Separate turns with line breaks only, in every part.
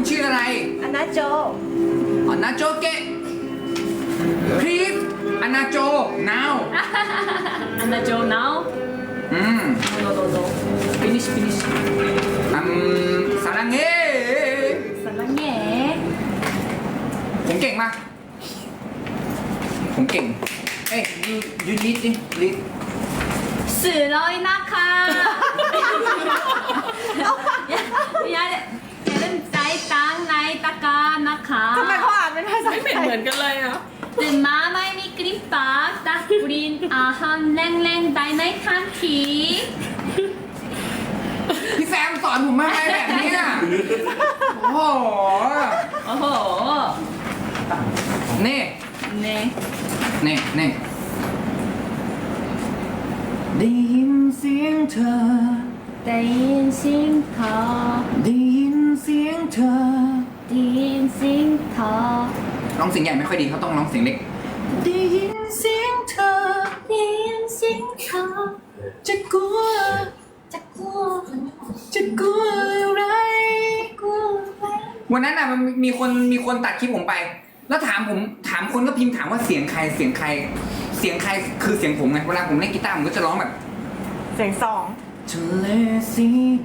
คุณชื่ออะไร
อันนาโจ
อ๋อนาโจเกะ please อนาโจ now
Anna Jo now?
อืม
No, no, no. Finish, finish.
สารังเง
사랑해.
ผมเก่งมาก ผมเก่ง เอ้ย you lead ดิ lead
스러이 나카. 야, 얘는 나이 땅 나이 따까 나카.
ทำไมเขาอ่านเป็นภาษา
ไม่
ไท
เหมื
ย
อนกันเลยอ่ะ
뜬 마마이 미끄림밥 딱 우린 아한 랭랭 다이나이 칸키.
พี่แซมสอนผมมาอะไรแบบเนี้ยโอ้โห
어허.
นี่
네.
นี่นี่ได้ยินเสียงเธอ
대인 싱터.
ได้ยินเสียงเธอ
대인 싱터.
ร้องเสียงใหญ่ไม่ค่อยดีเขาต้องร้องเสียงเล็ก ได้ยินเสียงเธอ
대인 싱터.
จะกลัว
자꾸
จะกลัวอะไร
자꾸
วันนั้นน่ะมันมีคนตัดคลิปผมไป แล้วถามคนก็พิมพ์ถามว่าเสียงใครเสียงใครเสียงใครคือเสียงผมไงเวลาผมเล่นกีตาร์ผมก็จะร้องแบบ
เสียงสอง
ทะเลสีด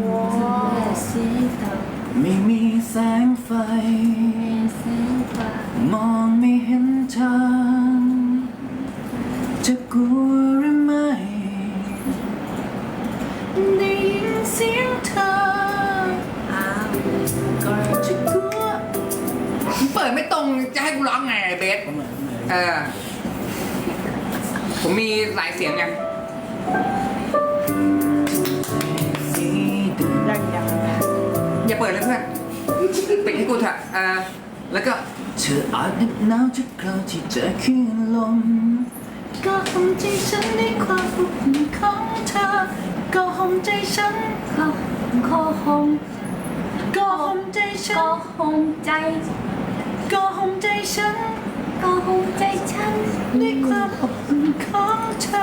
싱터.
ำไม่มีแสงไฟ
싱터.
มองไม่เห็นทางจะกลัวหรือไม่ได้ยินเสียงเธอ จะกลัวเปิดไม่ตรงจะให้กูร้องไงไอ้เบสผมมีหลายเสียงไง
ยัง
อย่าเปิดเลยเพื่อนปิดให้กูเถอะแล้วก็เธออาจเหน็บหนาวทุกคราวที่เจอคลื่นลมก็ห่มใจฉันในความอบอุ่นของเธอก็ห่มใจฉัน
거홈
ก็ห่มใจฉัน
거홈 짜이
ก็ห่มใจฉัน
거홈 짜이 찬
ด้วยความอบอุ่นของเธอ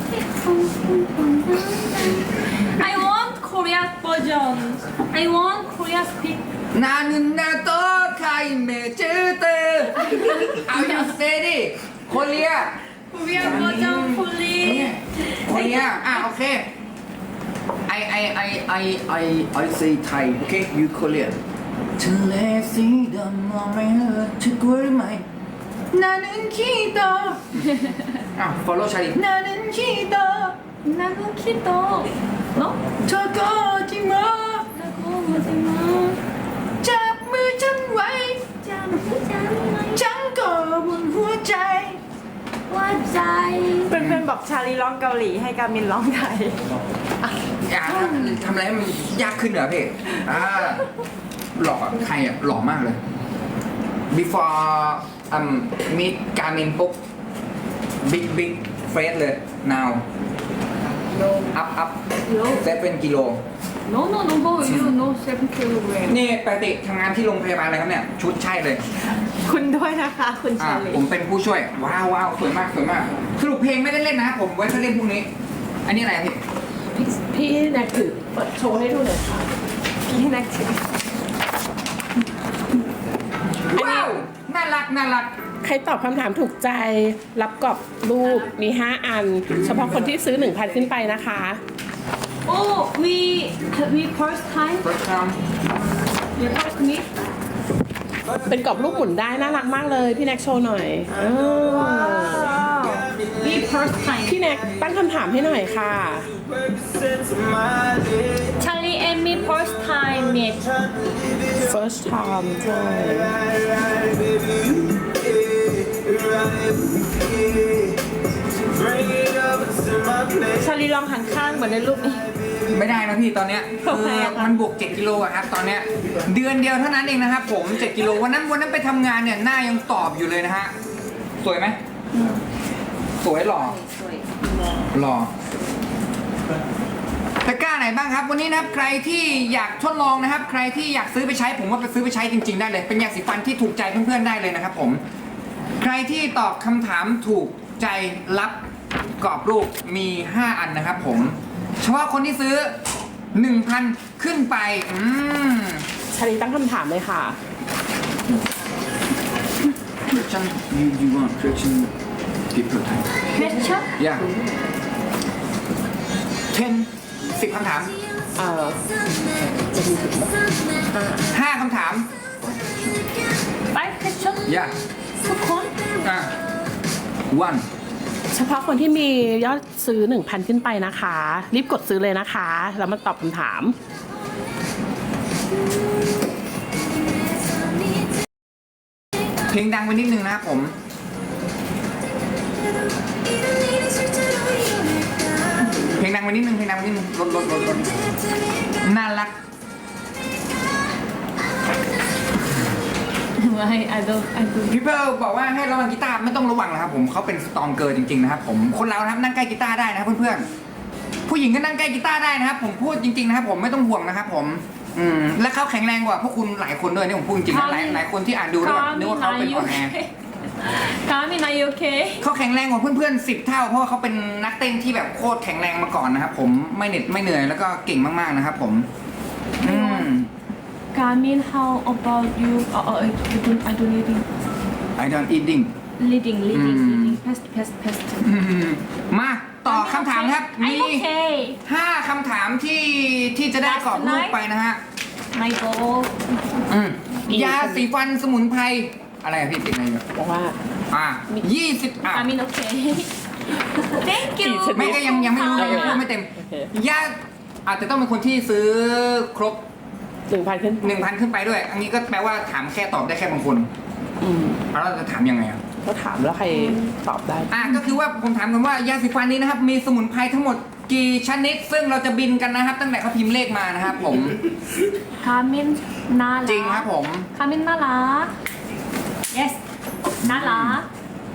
I want Korea version I want Korea speak
นานุนนาโตไคเมเจเตเอาอยู่เซดิโคเรีย
Korea version please
โคเรียโอเค I say Thai okay you Korean ทะเลสีดำมองไม่เห็นเธอกลัวหรือไม่นานุนขี้โตfollow ชาลีนานุนขี้โต
나는 키도 너?
เธอก็ที่มา
나고 마지막
จับมือฉันไว้
짠짠
ฉันก็บนหัวใจ
와짜이
เพื่อนๆบอกชาลีร้องเกาหลีให้กามินร้องไทย
อยากทำอะไรให้มันยากขึ้นเหรอพี่หล่อใครหล่อมากเลย before meet การมินปุ๊บ big face เลย now up 7 กิโล
No no no go you no 7 kilogram
นี่ปกติทำงานที่โรงพยาบาลอะไรครับเนี่ย ชุดใช่เลย
คุณด้วยนะคะคุณชาลี
ผมเป็นผู้ช่วย ว้าวสวยมากสวยมากสรุปเพลงไม่ได้เล่นนะผมไว้จะเล่นพรุ่งนี้ อันนี้อะไรอะพี่
พี่แน็กถือเปิดโชว์ให้ดูหน่อยค่ะ
พี่นักชิม
ว้าวน่ารัก
ใครตอบคำถามถูกใจรับกรอบรูปมี 5 อัน เฉพาะคนที่ซื้อ 1,000 ขึ้นไปนะคะ
Oh we first time
first time
we first meet
เป็นกรอบรูปหมุนได้น่ารักมากเลย พี่แน็กโชว์หน่อย
we first time
พี่แน็กตั้งคำถามให้หน่อยค่ะ
Charlie and me first time meet
first time ใช่
ชาลีลองหันข้างเหมือนในรูปนี้
ไม่ได้นะพี่ตอนเนี้ย
ทำไมอะคะ
มันบวก7 กิโลอะครับตอนเนี้ยเดือนเดียวเท่านั้นเองนะครับผม7 กิโลวันนั้นไปทำงานเนี่ยหน้ายังตอบอยู่เลยนะฮะสวยไหมสวยหล่อหล่อตะกร้าไหนบ้างครับวันนี้นะครับใครที่อยากทดลองนะครับ ใครที่อยากซื้อไปใช้ผมว่าไปซื้อไปใช้จริงๆได้เลยเป็นยาสีฟันที่ถูกใจเพื่อนๆได้เลยนะครับผมใครที่ตอบคำถามถูกใจรับกรอบรูปมี 5 อันนะครับผมเฉพาะคนที่ซื้อ 1,000 ขึ้นไป
าลีตั้งคำถามเลยค่ะ
Question you want question people time
question
yeah 10 คำถาม 5 คำถาม
five question
yeah
ทุกคน
one
เฉพาะคนที่มียอดซื้อ 1,000 ขึ้นไปนะคะ รีบกดซื้อเลยนะคะ แล้วมาตอบคำถาม
เพลงดังไปนิดนึงนะครับผม เพลงดังไปนิดนึงลดน่ารัก
ไม่ I don't
พี่เพิร์ลบอกว่าให้ระวังกีตาร์ไม่ต้องระวังนะครับผมเขาเป็นสตรองเกอร์จริงๆนะครับผมคนเรานะครับนั่งใกล้กีตาร์ได้นะครับเพื่อนๆผู้หญิงก็นั่งใกล้กีตาร์ได้นะครับผมพูดจริงๆนะครับผมไม่ต้องห่วงนะครับผมและเขาแข็งแรงกว่าพวกคุณหลายคนด้วยนี่ผมพูดจริงๆนะหลายคนที่อ่านดูแล้วแบบนึกว่าเขาเป็นอ่อนแอ
Carmen are you okay
เขาแข็งแรงกว่าเพื่อนๆ10 เท่าเพราะว่าเขาเป็นนักเต้นที่แบบโคตรแข็งแรงมาก่อนนะครับผมไม่เหน็ดไม่เหนื่อยแล้วก็เก่งมากๆนะครับผม
Carmen how about you I don't leading
I don't eating
leading pest
มาต่อคำถามครับ
I'm
มี
okay
5 คำถามที่จะได้กรอบรูปไปนะฮะ
my goal
ยาสีฟันสมุนไพรอะไรอะพี่ติดอะไรอยู่
บอกว่า
20
Carmen okay thank you
ไม่ก็ยังไม่รู้ยังพูดไม่เต็มยาอาจจะต้องเป็นคนที่ซื้อครบ
1,000 ขึ้น
1,000 ขึ้นไปด้วย อันนี้ก็แปลว่าถามแค่ตอบได้แค่บางคนแล้วเราจะถามยังไงอ่ะ
ก็ถามแล้วใครตอบได้
ก็คือว่าผมถามกันว่ายาสีฟันนี้นะครับมีสมุนไพรทั้งหมดกี่ชนิด ซึ่งเราจะบินกันนะครับ ตั้งแต่เขาพิมพ์เลขมานะครับผม
Carmen น่ารัก
จริงครับผม
Carmen น่ารัก yes น่ารัก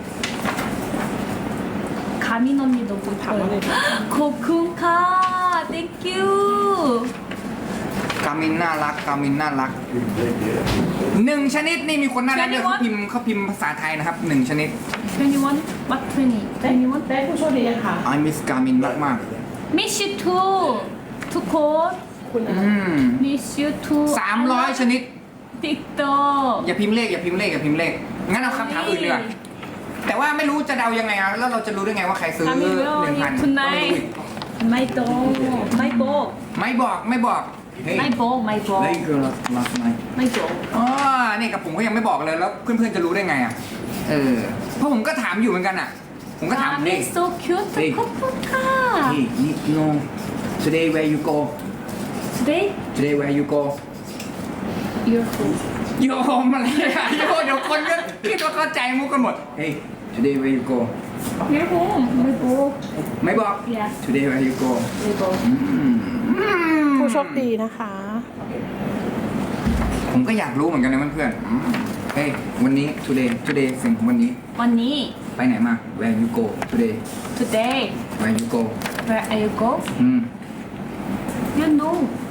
Carmen 언니 너무
ถามว่าไง
ขอบคุณค่ะ thank you
กามินน่ารัก1 ชนิดนี่มีคนน่ารักเยอะเขาพิมพ์ภาษาไทยนะครับ1 ชนิด
21 what 20 21
ได้ผู้โชคดียังคะ
I miss กามินมาก
miss you too ทุกคน
คุณอะไร
miss you too
300 ชนิด
TikTok
อย่าพิมพ์เลขงั้นเอาคำถามอื่นดีกว่าแต่ว่าไม่รู้จะเดายังไงอ่ะแล้วเราจะรู้ได้ไงว่าใครซื้อ
Carmen where are you
1,000
tonight ไม่บอก
ไม่บอกเฮ้ย
ไม่บอก
Hey girl last night
ไม่บอก
นี่กับผมก็ยังไม่บอกเลยแล้วเพื่อนๆจะรู้ได้ไงอ่ะเพราะผมก็ถามอยู่เหมือนกันอ่ะผมก็ถาม
Carmen so cute ขอบคุณค่ะ
Hey you know today where you go
today
where you go
your home
โยมอะไรอะโยเดี๋ยวคนก็คิดว่าเข้าใจมุกกันหมด Hey today where you go
your home ไม่บอก
ไม่บอก
Yes
today where you go
ไม่บอก
ผู้โชคดีนะคะ
ผมก็อยากรู้เหมือนกันนะเพื่อนๆเฮ้ยวันนี้ today สิ่งของวันนี้
วันนี้
ไปไหนมา where you go today
today
where you go
where are you go you know